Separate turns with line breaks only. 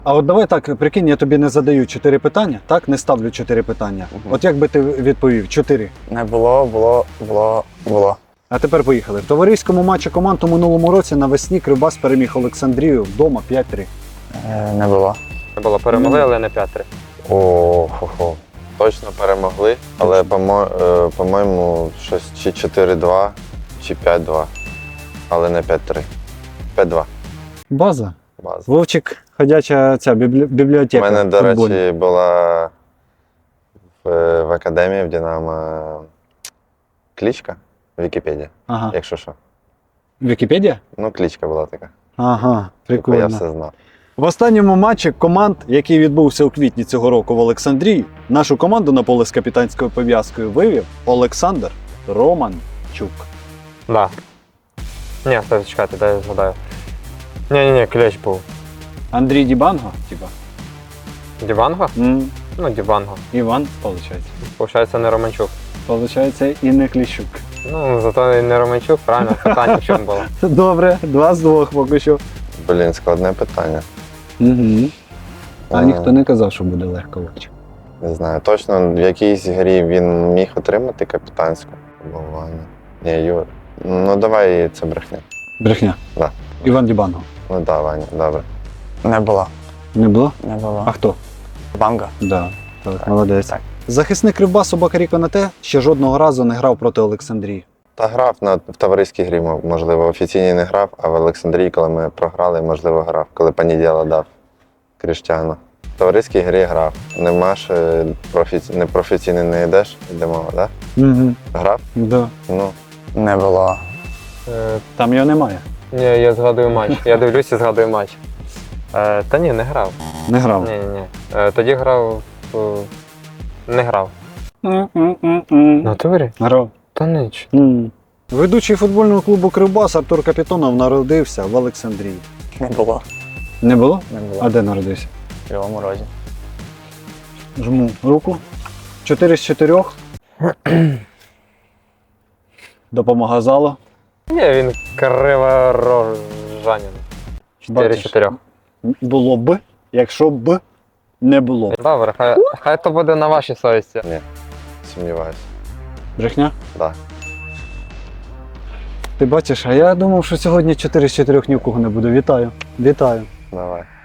А от давай так, прикинь, я тобі не задаю 4 питання, так? Не ставлю 4 питання. От як би ти відповів? 4.
Не було.
А тепер поїхали. В товариському матчі команд у минулому році навесні Кривбас переміг Олександрію вдома 5-3.
Не було.
Не було, перемогли, але не 5-3.
О-хо-хо. Точно перемогли, але, по-моєму, щось чи 4-2, чи 5-2. Але не 5-3. 5-2.
База.
База.
Вовчик, ходяча ця
У
бібліотека.
мене, до
футбольна.
речі, була в академії в Динамо кличка Вікіпедія,
Ага.
якщо що.
Вікіпедія?
Ну, кличка була така.
Ага,
Типу, я
прикольно.
все знав.
В останньому матчі команд, який відбувся у квітні цього року в Олександрії, нашу команду на поле з капітанською пов'язкою вивів Олександр Романчук.
Да. Ні, стой, чекайте, дай я згадаю. Ні, Клещ був.
Андрій Дібанго, типа.
Діванго? Ну, Діванго.
Іван, виходить.
Получається, не Романчук.
Получається, і не Кліщук.
Ну, зато і не Романчук, правильно, питання в чому було.
Добре, 2 з 2 поки що.
Блін, складне питання.
Угу. А
Е,
ніхто не казав, що буде легко Вовчик.
Не знаю, точно в якійсь грі він міг отримати капітанську. Або Ваня. Ні, Юр. Ну давай це брехня.
Брехня.
Да.
Іван Дібанго.
Ну да, Ваня, добре.
Не було.
Не було?
Не було.
А хто?
Банга.
Да. Так, молодець.
Так.
Захисник Кривбасу Бакарі Конате ще жодного разу не грав проти Олександрії.
Та грав в товариській грі, можливо, офіційній не грав, а в Олександрії, коли ми програли, можливо, грав, коли Панідєла дав Кріштіану. В товариській грі грав. Нема ж непрофесійний не йдеш, йде мова, так?
Угу.
Грав?
Да.
Ну,
Не було.
Там його немає.
Ні, я згадую матч. Я дивлюся і згадую матч. Та ні, не грав.
Не грав.
Ні. Тоді грав. Не грав. Натурі?
Грав.
Та ніч.
Ведучий футбольного клубу Кривбас Артур Капітонов народився в Олександрії.
Не було.
Не було?
Не було.
А де народився?
В Кривому Розі.
Жму руку. 4 з 4. Допомога залу.
Ні, він криворожанин. 4-4.
Було б, якщо б не було.
Добре, хай то буде на вашій совісті.
сумніваюся.
Брехня?
Да.
Ти бачиш, а я думав, що сьогодні 4 з 4 ні в кого не буде. Вітаю. Вітаю.
Давай.